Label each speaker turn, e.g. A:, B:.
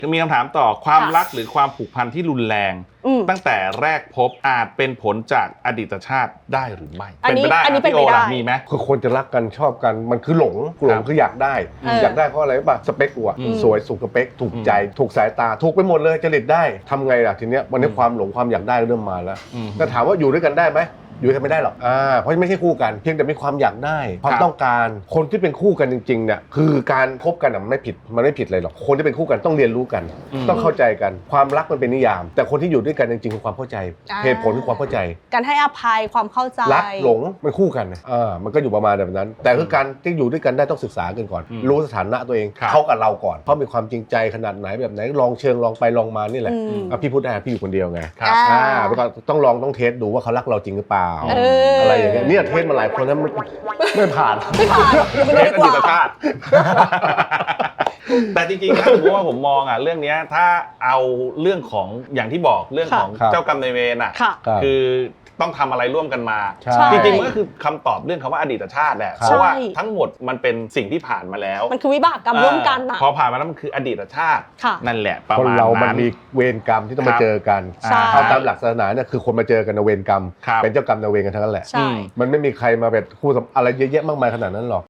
A: มีคำถามต่อความรักหรือความผูกพันที่รุนแรงตั้งแต่แรกพบอาจเป็นผลจากอดีตชาติได้หรือไม่เป็นไปได้พี่โอล่ะมีไหม
B: คือคนจะรักกันชอบกันมันคือหลงคืออยากได้เพราะอะไรป่ะสเปคกูสวยสุขสเปคถูกใจถูกสายตาถูกไปหมดเลยจริตได้ทำไงล่ะทีเนี้ยวันนี้ความหลงความอยากได้เริ่มมาแล้วแต่ถามว่าอยู่ด้วยกันได้ไหมอยู่กันไม่ได้หรอกเพราะไม่ใช่คู่กันเพียงแต่มีความอยากได้ความต้องการคนที่เป็นคู่กันจริงๆเนี่ยคือการคบกันมันไม่ผิดเลยหรอกคนที่เป็นคู่กันต้องเรียนรู้กันต้องเข้าใจกันความรักมันเป็นนิยามแต่คนที่อยู่ด้วยกันจริงๆคือความเข้าใจเหตุผลคือความเข้าใจ
C: การให้อภัยความเข้าใจ
B: รักหลงมันคู่กันมันก็อยู่ประมาณแบบนั้นแต่คือการที่อยู่ด้วยกันได้ต้องศึกษากันก่อนรู้สถานะตัวเองเขากับเราก่อนเขามีความจริงใจขนาดไหนแบบไหนลองเชิงลองไปลองมานี่แหละพี่พูดได้พี่อยู่คนเดียวไงแล้วก็ต้องลองต้องเทสดูว่าเขารักเราจริงหรือเปล่าอะไรอย่างเงี้ยเนี่ยเทสมาหลายคนแล้วไม่ผ่าน
A: เทสอดีตชาติแต่จริงๆนะผมมองเรื่องนี้ถ้าเอาเรื่องของอย่างที่บอกเรื่องของเจ้ากรรมนายเวรคือต้องทำอะไรร่วมกันมาจริงๆมันก็คือคำตอบเรื่องคำว่าอดีตชาติแหละเพราะว่าทั้งหมดมันเป็นสิ่งที่ผ่านมาแล้ว
C: มันคือวิบากกรรมร่วมกัน
A: พอผ่านมาแล้วมันคืออดีตชาตินั่นแหละประมาณนั้นคน
B: เรามันมีเวรกรรมที่ต้องมาเจอกันเอาตามหลักศาสนาเนี่ยคือคนมาเจอกันในเวรกรรมเป็นเจ้ากรรมนายเวรกันทั้งนั้นแหละมันไม่มีใครมาเป็นคู่อะไรเยอะแยะมากมายขนาดนั้นหรอก